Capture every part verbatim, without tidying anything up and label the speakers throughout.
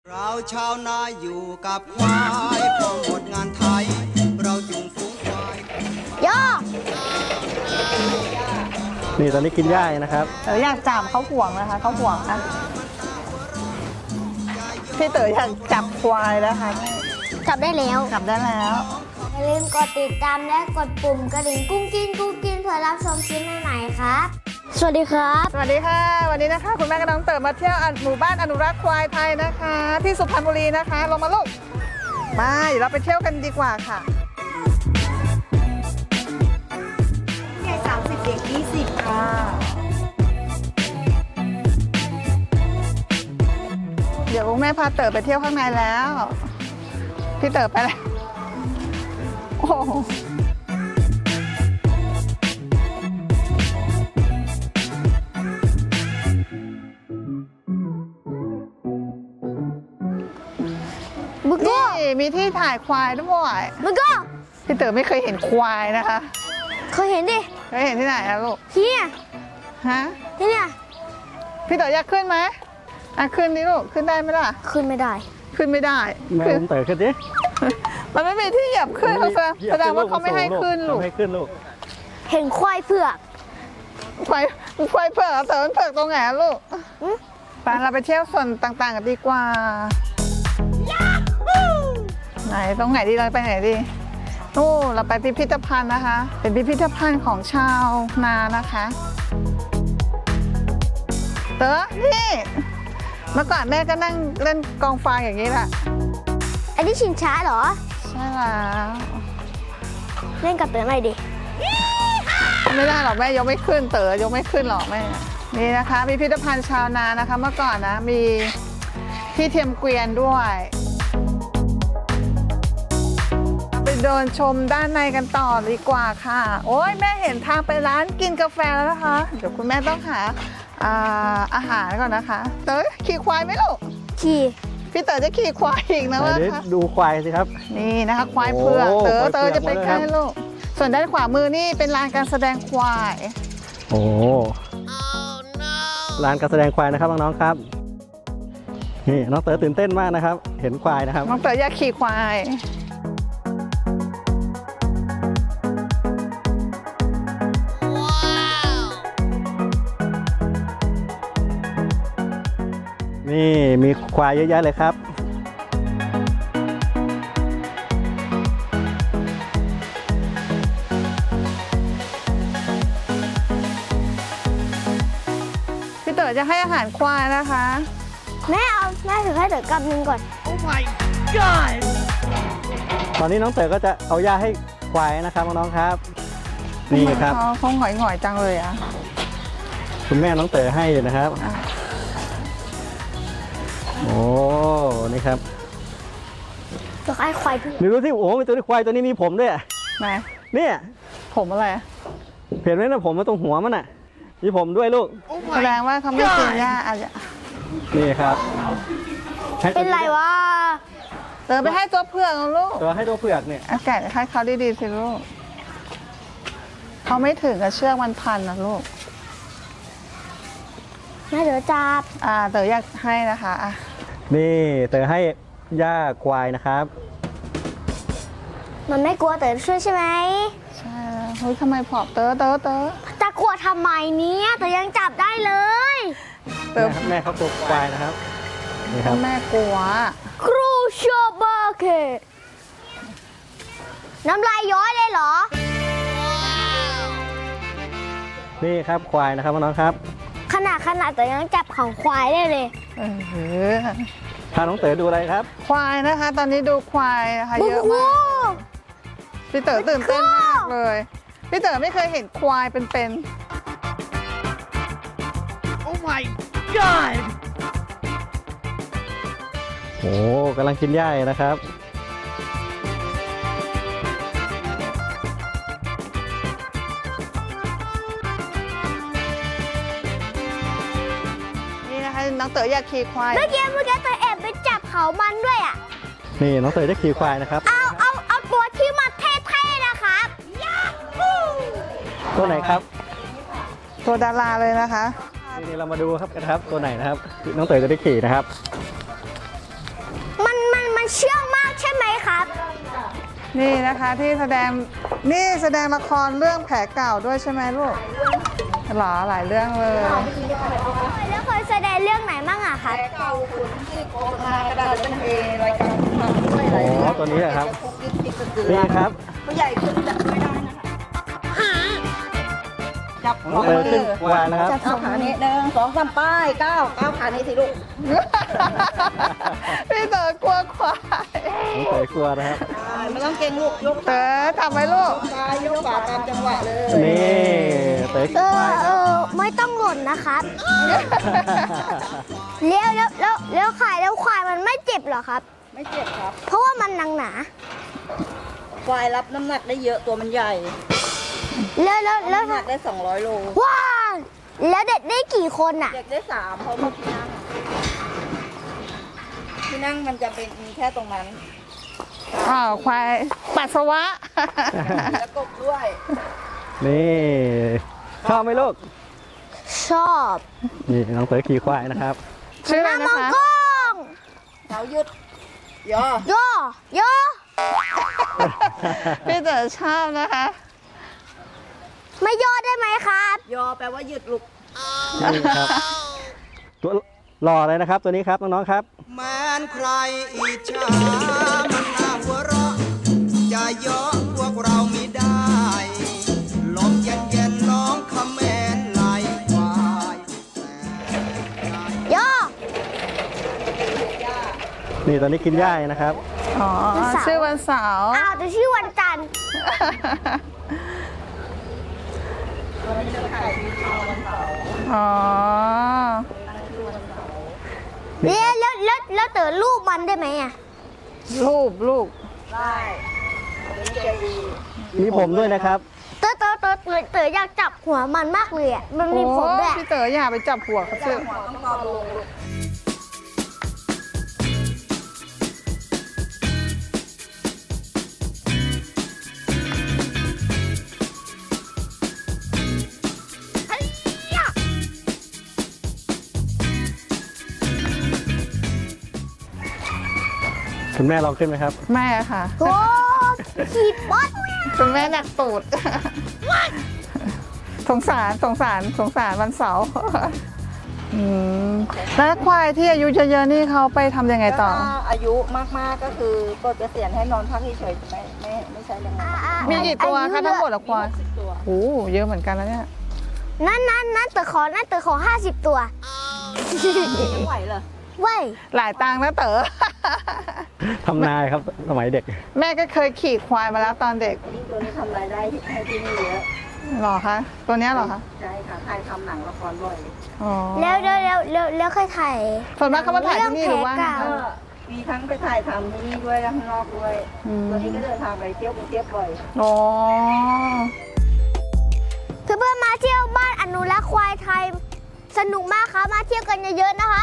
Speaker 1: เราชาวนาอยู่กับควายพอหมดงานไทยเราจุงฝูงควายย่อ
Speaker 2: นี่ตอนนี้กินหญ้านะครับ
Speaker 3: เต๋ออยากจับเขาห่วงนะคะเขาห่วงนะพี่เต๋ออยากจับควายนะคะ
Speaker 4: จับได้แล้ว
Speaker 3: จับได้แล้ว
Speaker 4: อย่าลืมกดติดตามและกดปุ่มกระดิ่งกุ้งกิ้งกุ้งกิ้งเพื่อรับชมคลิปใหม่ๆครับสวัสดีครับ
Speaker 3: สวัสดีค่ะวันนี้นะคะคุณแม่กับน้องเต๋อมาเที่ยวหมู่บ้านอนุรักษ์ควายไทยนะคะที่สุพรรณบุรีนะคะลงมาลูกมาเดี๋ยวเราไปเที่ยวกันดีกว่าค่ะใหญ่สามสิบเด็กยี่สิบค่ะเดี๋ยวคุณแม่พาเต๋อไปเที่ยวข้างในแล้วพี่เต๋อไปแล้วโอ้นี่มีที่ถ่ายควายด้วย
Speaker 4: มึงก็
Speaker 3: พี่เต๋อไม่เคยเห็นควายนะคะ
Speaker 4: เคยเห็นดิ
Speaker 3: เคยเห็นที่ไหนอะลูก
Speaker 4: ที่เนี่ย
Speaker 3: ฮะ
Speaker 4: ที่เนี่ย
Speaker 3: พี่เต๋ออยากขึ้นไหมอ่ะขึ้นดิลูกขึ้นได้ไหมล่ะ
Speaker 4: ขึ้นไม่ได้
Speaker 3: ขึ้นไม่ได้
Speaker 2: แม่ผมเต๋อขึ้นดิ
Speaker 3: มันไม่มีที่เหยียบขึ้นเขาแสดงว่าเขาไม่ให้ขึ้นลูก
Speaker 2: ให้ขึ้นลูก
Speaker 4: เห็นควายเผือก
Speaker 3: ควายควายเผือกเต๋อมันเผือกตรงไหนลูกไปเราไปเที่ยวส่วนต่างๆกันดีกว่าไหนตรงไหนดีเราไปไหนดีนู่นเราไปพิพิธภัณฑ์นะคะเป็นพิพิธภัณฑ์ของชาวนานะคะเต๋อนี่เมื่อก่อนแม่ก็นั่งเล่นกองฟางอย่างนี้แหละ
Speaker 4: อันนี้ชิงช้าเหรอ
Speaker 3: ใช่แล้ว
Speaker 4: เล่นกับเต๋อหน่อยดิ
Speaker 3: ไม่ได้หรอกแม่ยกไม่ขึ้นเต๋อยกไม่ขึ้นหรอกแม่นี่นะคะพิพิธภัณฑ์ชาวนานะคะเมื่อก่อนนะมีที่เทียมเกวียนด้วยไปเดินชมด้านในกันต่อดีกว่าค่ะโอ้ยแม่เห็นทางไปร้านกินกาแฟแล้วนะคะเดี๋ยวคุณแม่ต้องหาอาอาหารก่อนนะคะเต๋อขี่ควายไหมลูก
Speaker 4: ขี่
Speaker 3: พี่เต๋อจะขี่ควายอีกนะว่า
Speaker 2: ดูควายสิครับ
Speaker 3: นี่นะคะควายเผือกเต๋อเต๋อจะไปใกล้ลูกส่วนด้านขวามือนี่เป็นลานการแสดงควาย
Speaker 2: โอ้ลานการแสดงควายนะครับน้องๆครับนี่น้องเต๋อตื่นเต้นมากนะครับเห็นควายนะครับ
Speaker 3: น้องเต๋ออยากขี่ควาย
Speaker 2: นี่มีควายเยอะแยะเลยครับ
Speaker 3: พี่เต๋อจะให้อาหารควายนะคะ
Speaker 4: แม่เอาแม่ถือให้เต๋อกำนึงก่อนโอ้ my
Speaker 2: god ตอนนี้น้องเต๋อก็จะเอาหญ้าให้ควายนะครับน้องๆครับนี่ครับ
Speaker 3: เขาหงอยๆจังเลยอ่ะ
Speaker 2: คุณแม่น้องเต๋อให้อยู่นะครับโอ้นี่ครับ
Speaker 4: ตัวไอ้ควายพี่
Speaker 2: ดูดูที่โอ้มีตัวควายตัวนี้มีผมด้วย
Speaker 3: ไหน
Speaker 2: เนี่ย
Speaker 3: ผมอะไร
Speaker 2: เห็นไหมนะผมมาตรงหัวมันอ่ะมีผมด้วยลูก
Speaker 3: แสดงว่าเขาไม่กินหญ้าอะไร
Speaker 2: นี่ครับ
Speaker 4: เป็นไรวะ
Speaker 3: เต๋อไปให้ตัวเผือกลูก
Speaker 2: ตัวให้ตัวเผือกเนี่ย
Speaker 3: อากาศให้เขาดีๆสิลูกเขาไม่ถึงกับเชือกมันพันนะลูก
Speaker 4: แม่เต๋อจับ
Speaker 3: อ่าเต๋ออยากให้นะคะอ่ะ
Speaker 2: นี่เต๋อให้หญ้าควายนะครับ
Speaker 4: มันไม่กลัวเต๋อช่วยใช่ไหม
Speaker 3: ใช่เฮ้ยทำไมผอมเต๋อเต๋อเต๋อ
Speaker 4: จะกลัวทำไมเนี้ยเต๋อยังจับได้เลย
Speaker 2: เต๋อแม่เขากลัวควายนะครับ
Speaker 3: นี่ครับแม่กลัว
Speaker 4: ครูชอบเบอร์เคน้ำลายย้อยเลยเหรอ
Speaker 2: นี่ครับควายนะครับน้องครับ
Speaker 4: ขนาดขนาดแต่ยังจับของควายได้เลย
Speaker 3: เออ
Speaker 2: พาน้องเต๋อดูอะไรครับ
Speaker 3: ควายนะคะตอนนี้ดูควายนะคะเยอะมากพี่เต๋อตื่นเต้นมากเลยพี่เต๋อไม่เคยเห็นควายเป็นๆโอ้ my god
Speaker 2: โอ้กำลังกินหญ้านะครับ
Speaker 3: น้องเต๋ออยากขี่ควาย
Speaker 4: เมื่อกี้เมื่อกี้เต๋อแอบไปจับเขามันด้วยอ่ะ
Speaker 2: นี่น้องเต๋อจะขี่ควายนะครับ
Speaker 4: เอาเอาเอาตัวที่มาเท่ๆนะครับ
Speaker 2: ตัวไหนครับ
Speaker 3: ตัวดาราเลยนะคะ
Speaker 2: นี่เรามาดูครับกันครับตัวไหนนะครับน้องเต๋อจะได้ขี่นะครับ
Speaker 3: นี่นะคะที่แสดงนี่แสดงละครเรื่องแผลเก่าด้วยใช่ไหมลูกหรอหลายเรื่องเลย
Speaker 4: แล้วเคยแสดงเรื่องไหนบ้างอะคะ
Speaker 2: อ๋อตัวนี้เหรอครับนี่ครับ
Speaker 5: ผู้ใหญ่ขึ้นจับไม่ได้นะคะจับ
Speaker 2: น้องเต๋อขึ้นควายนะครับ
Speaker 5: เอาขานี้หนึ่งสองสามป้ายเก้าเก้าขานี้สิลูก
Speaker 3: พี่เต๋อกลัวควาย
Speaker 2: น้องเต๋อกลัวนะครับ
Speaker 5: ไม่ต้องเก่งลูกยก
Speaker 3: เต๋อทำไหมลูก
Speaker 5: ซ้ายยกขวาตามจังหวะเลย
Speaker 2: นี่เต๋อ
Speaker 4: เอ
Speaker 2: ขึ้น
Speaker 4: อ
Speaker 2: ควาย
Speaker 4: เอ
Speaker 2: ครับ
Speaker 4: อไม่ต้องหล่นนะครับเลี้ยวแล้วแล้วแล้วขายแล้วควายมันไม่เจ็บเหรอครับ
Speaker 5: ไม่เจ็บครับ
Speaker 4: เพราะว่ามันหนังหนา
Speaker 5: ควายรับน้ำหนักได้เยอะตัวมันใหญ่
Speaker 4: แล้วแล้วแล้ว
Speaker 5: น้ำหนักได้สองร้อยโล
Speaker 4: ว้าวแล้วเด็กได้กี่คนอะ
Speaker 5: เด็กได้สามเพราะว่าที่นั่งที่นั่งมันจะเป็นมีแค่ตรงนั้น
Speaker 3: อ้าวควายปัสสาวะ
Speaker 5: แล้วกบด้วย
Speaker 2: นี่ชอบไหมลูก
Speaker 4: ชอบ
Speaker 2: นี่น้องเต๋อขี่ควายนะครับ
Speaker 3: ชื่ออะไร
Speaker 4: น้ำม
Speaker 3: นะ
Speaker 4: อง
Speaker 3: คะ
Speaker 4: กล้อง
Speaker 5: เขาหยุดย่อ
Speaker 4: โยโย
Speaker 3: พี่เต๋อชอบนะคะ
Speaker 4: ไม่ย่อได้ไหมครับ
Speaker 5: ย่อแปลว่าหยุดลูก
Speaker 2: นี่ครับ ตัวหล่อเลยนะครับ ตัวนี้ครับน้องๆครับ
Speaker 1: แม้นใครอิจฉามันน่าหัวเราะจะเยาะพวกเราไม่ได้ลมเย็นเย็นๆร้องคำแมนไหลควาย
Speaker 4: ย่อ
Speaker 2: นี่ตอนนี้กินหญ้าอยู่นะครับ
Speaker 3: อ๋อ
Speaker 4: วันเสาร์
Speaker 3: ชื่อวันเสาร์
Speaker 4: อ้าวแต่ชื่อวันจันทร์
Speaker 3: อ๋อ
Speaker 4: แล้วแล้วแล้วแล้วเต๋อรูปมันได้ไหมอะ
Speaker 3: รูปลูก
Speaker 5: ได้เป็นใจดี
Speaker 2: มีผมด้วยนะครับ
Speaker 4: เต๋อเต๋อเต๋อเต๋อเต๋ออยากจับหัวมันมากเลยอะมันมีผมด้วย
Speaker 3: โอ้พี่เต๋ออย่าไปจับหัวเขาสิ
Speaker 5: หัวต้องตอบลงลูก
Speaker 2: คุณแม่ลองขึ้นไหมครับ
Speaker 3: แม่ค่ะ
Speaker 4: โอ้ขี่ป๊อด
Speaker 3: คุณแม่หนักตูด สงสารสงสารสงสารวันเสาร์อืมแล้วควายที่อายุเยอะๆนี่เขาไปทำยังไงต่อ
Speaker 5: ถ้าอายุมากๆก็คือก็จะเสียนให้นอนพักเฉยๆไม่ไม่ไม่ใช่แรงงาน
Speaker 3: มีกี่ตัวคะทั้งหมดอะควาย
Speaker 5: สิบตัว
Speaker 3: โอ้เยอะเหมือนกันแล้วเนี่ย
Speaker 4: นั่นนั่นนั่นเต๋อขอนั่นเต๋อขอห้าสิบตัว
Speaker 5: ไม่ไหวเหรอ
Speaker 4: เว้ย
Speaker 3: หลายตังค์นะเต๋อ
Speaker 2: ทำนายครับสมัยเด็ก
Speaker 3: แม่ก็เคยขี่ควายมาแล้วตอนเด็ก
Speaker 5: นี่ตัวนี้ทำรายได้ให้ที่นี่เยอะ
Speaker 3: หรอคะ ตัวเนี้ยหรอคะ
Speaker 5: ใช่ค่ะถ่ายทำหนังละครบ่อย
Speaker 3: อ๋อ
Speaker 4: แล้วแล้วแล้วแล้วแล้วเคยถ่าย
Speaker 3: ส่วนมากเขามาถ่ายที่นี่หรือว่า
Speaker 4: เรื่องแผลเก่า
Speaker 5: ก็มีทั้งไปถ่ายทำที่นี่ด้วยและข้างนอกด้วย
Speaker 3: อืม
Speaker 5: ตัวนี้ก็เดินทางไปเที่ยวกรุงเทพบ่อย
Speaker 3: อ๋อ
Speaker 4: เพื่อนๆมาเที่ยวบ้านอนุรักษ์ควายไทย สนุกมากครับ มาเที่ยวกันเยอะๆนะครับ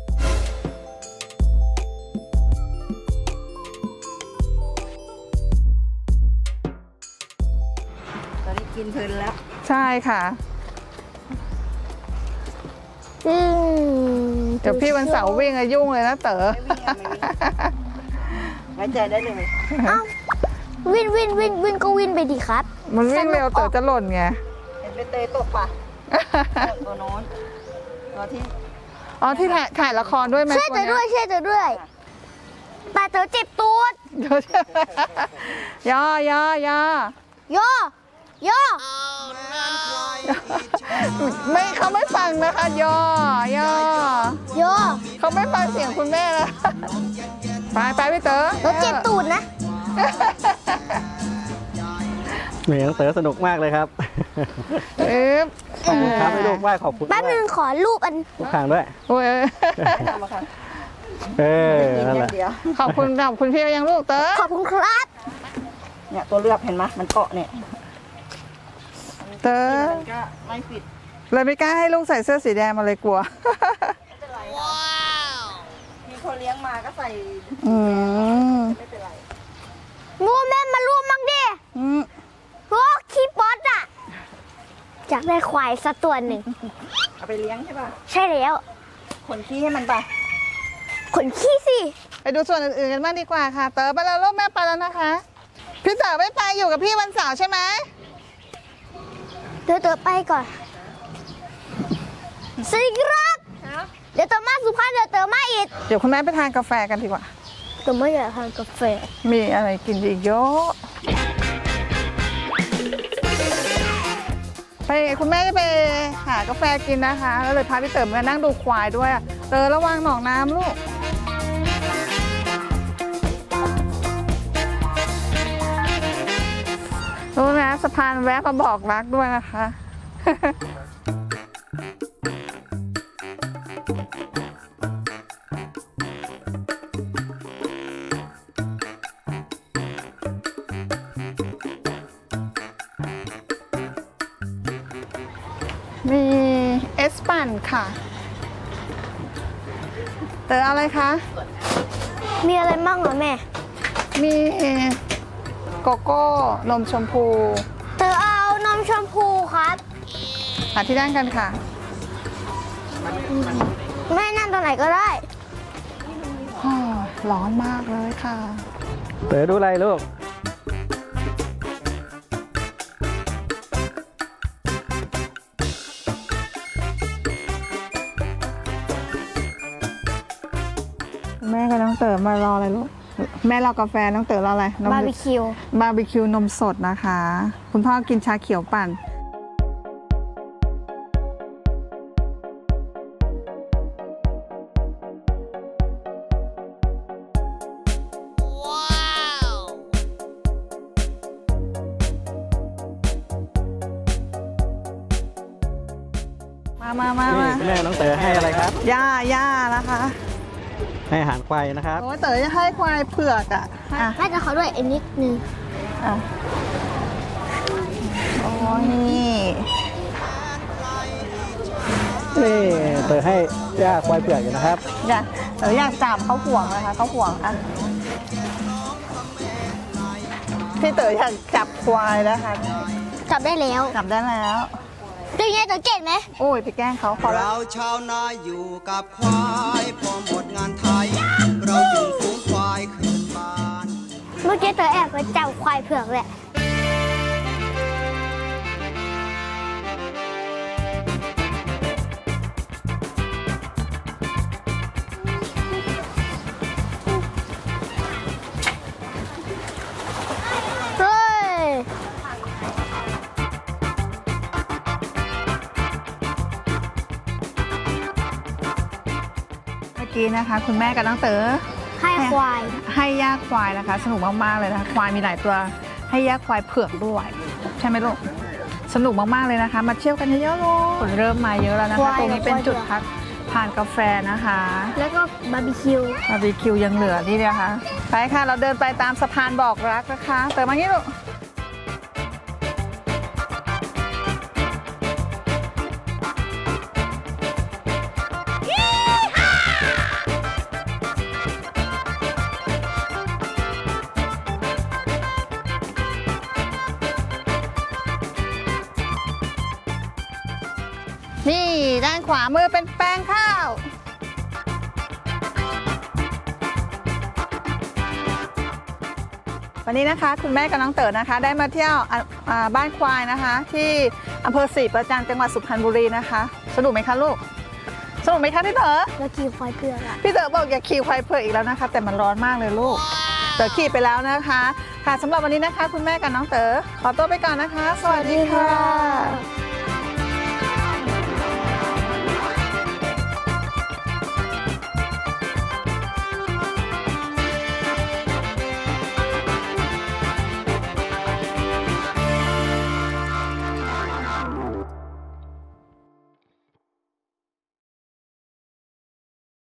Speaker 5: ตอนนี้กินเพลินแล้ว
Speaker 3: ใช่ค่ะ
Speaker 4: อืม
Speaker 3: เดี๋ยวพี่วันเสาร์วิ่งอะยุ่งเลยนะเต๋อ
Speaker 5: ไว้ใจได้เลย
Speaker 4: เอ้าวินวินวินวินก็วินไปดีครับ
Speaker 3: มันวิ่งเร็วเต๋อจะหล่นไง
Speaker 5: เห็นเป็นเตยตกปะตัวโน้นตัวที่
Speaker 3: อ๋อที่ถ่ายถ่ายละครด้วยไหม
Speaker 4: ช่วยเต๋อด้วยช่วยเต๋อด้วยแต่เต๋อเจ็บตูด
Speaker 3: เดี๋ยวย่อย่อย่อ
Speaker 4: โยโย
Speaker 3: ไม่เขาไม่ฟังนะคะย่อย่อ
Speaker 4: โย
Speaker 3: เขาไม่ฟังเสียงคุณแม่นะไปไปพี่เต๋อ
Speaker 4: เต๋อเจ็บตูดนะ
Speaker 2: เหมือนน้องเต๋อสนุกมากเลยครับ
Speaker 3: เอ๊ะ
Speaker 2: ขอบคุณครับให้ลูกไหว้ขอบคุณ
Speaker 4: แป๊บ
Speaker 2: ด้ว
Speaker 4: นึ
Speaker 2: ย
Speaker 4: งขอรูปอัน
Speaker 2: ทุกครั้งด้วย
Speaker 3: โอ้ย
Speaker 5: ไม่ทำอะค่ะ
Speaker 2: เออ
Speaker 5: กิน
Speaker 2: นั่น
Speaker 5: อ
Speaker 2: แห
Speaker 5: ย่า
Speaker 2: ละ
Speaker 5: งเดียว
Speaker 3: ขอบคุณขอบคุณพี่ยังลูกเต๋อ
Speaker 4: ขอบคุณครับ
Speaker 5: เนี่ยตัวเลือกเห็นไหมมันเกาะเนี่ย
Speaker 3: เต๋อ
Speaker 5: มันก็ไม่ฟิต
Speaker 3: เลยไม่กล้าให้ลูกใส่เสื้อสีแดงมาเลยกลัว
Speaker 5: ไม่เป็นไรว้าวมีคนเลี้ยงมาก็ใส่
Speaker 3: อืม
Speaker 5: ไม่เป็นไร
Speaker 4: งูแม่มารูปมั่งดิ
Speaker 3: อืม
Speaker 4: โอ้ขี้ป๊อตอะอยากได้ควายสักตัวหนึ่ง
Speaker 5: เอาไปเลี้ยงใช่ป่ะ
Speaker 4: ใช่แล้ว
Speaker 5: ขนขี้ให้มันป่ะ
Speaker 4: ขนขี้สิ
Speaker 3: ไปดูส่วนอื่นๆกันบ้างดีกว่าค่ะ เต๋อไปแล้วลูกแม่ไปแล้วนะคะพี่เต๋อไม่ไปอยู่กับพี่วันเสาร์ใช่ไหม
Speaker 4: เดี๋ยวเต๋อไปก่อนสวัสดีครับเดี๋ยวเต๋อมาสุพรรณเดี๋ยวเต๋อมาอีก
Speaker 3: เดี๋ยวคุณแม่ไปทานกาแฟกันดีกว่า
Speaker 4: เต๋อไม่อยากทานกาแฟ
Speaker 3: มีอะไรกินอีกเยอะไปคุณแม่จะไปหากาแฟกินนะคะ แล้วเลยพาพี่เต๋อมานั่งดูควายด้วยอะเต๋อระวังหนองน้ำลูกรู้นะสะพานแวะมาบอกรักด้วยนะคะ มีเอสปันค่ะเต๋ออะไรคะ
Speaker 4: มีอะไรบ้างเหรอแม่
Speaker 3: มีโกโก้นมชมพู
Speaker 4: เต๋อเอานมชมพูครับ
Speaker 3: หาที่นั่งกันค่ะ
Speaker 4: แม่นั่งตรงไหนก็ได้
Speaker 3: อ้อร้อนมากเลยค่ะ
Speaker 2: เต๋อดูอะไรลูก
Speaker 3: แม่กับน้องเต๋อมารออะไรลูก แม่รอกาแฟน้องเต๋อรออะไรนม
Speaker 4: บาร์บีคิว
Speaker 3: บาร์บีคิวนมสดนะคะ คุณพ่อกินชาเขียวปั่น มามามา
Speaker 2: นี่
Speaker 3: มา
Speaker 2: คุณแม่น้องเต๋อให้อะไรครับ
Speaker 3: ย่าย่านะคะ
Speaker 2: ให้อาหารควายนะครับ
Speaker 3: โอ้ยเต๋อจะให้ควายเผือกอ่ะอ่ะ
Speaker 4: แม่จะขอด้วยอีกนิดนึง
Speaker 3: อ่ะโอ้ยนี่
Speaker 2: นี่เต๋อให้ย่าควายเผือกอยู่นะครับ
Speaker 3: อยากเต๋ออยากจับเขาห่วงนะคะเขาห่วงอ่ะพี่เต๋ออยากจับควายนะคะ
Speaker 4: จับได้แล้ว
Speaker 3: จับได้แล้ว
Speaker 4: เป็นไงเต๋อเก่งไหม
Speaker 3: โอ้ยไปแกล้งเขาพอแล้ว
Speaker 1: เราชาวนาอยู่กับควายพอหมดงานไทย เราจึงฝูงควายคืนบ้าน
Speaker 4: เมื่อกี้เต๋อแอบไปจับควายเผือกแหละเฮ้ย
Speaker 3: เมื่อกี้นะคะ คุณแม่กับน้องเต๋อ
Speaker 4: ให้ควาย
Speaker 3: ให้ย่าควายนะคะ สนุกมากๆเลยนะคะควายมีหลายตัวให้ย่าควายเผือกด้วยใช่ไหมลูกสนุกมากๆเลยนะคะ มาเที่ยวกันเยอะๆเลยคนเริ่มมาเยอะแล้วนะ
Speaker 4: ควา
Speaker 3: คะ
Speaker 4: ย
Speaker 3: ตรงนี้เป็น
Speaker 4: ควาย
Speaker 3: จุดพักทานกาแฟนะคะ
Speaker 4: แล้วก็บาร์บีคิว
Speaker 3: บาร์บีคิวยังเหลือนี่นะคะไปค่ะเราเดินไปตามสะพานบอกรักนะคะเต๋อมางี้ลูกนี่ด้านขวามือเป็นแปลงข้าว วันนี้นะคะคุณแม่กับน้องเต๋อนะคะ ได้มาเที่ยวอ่ะอ่าบ้านควายนะคะ ที่อำเภอศรีประจันทร์จังหวัดสุพรรณบุรีนะคะสนุกไหมคะลูกสนุกไหมคะพี่เต๋อ
Speaker 4: แล้วขี่ควายเผือกอะ
Speaker 3: พี่เต๋อบอกอย่าขี่ควายเผือกอีกแล้วนะคะ แต่มันร้อนมากเลยลูกเต๋อขี่ไปแล้วนะคะค่ะสำหรับวันนี้นะคะ คุณแม่กับน้องเต๋อขอตัวไปก่อนนะคะ สวัสดีค่ะ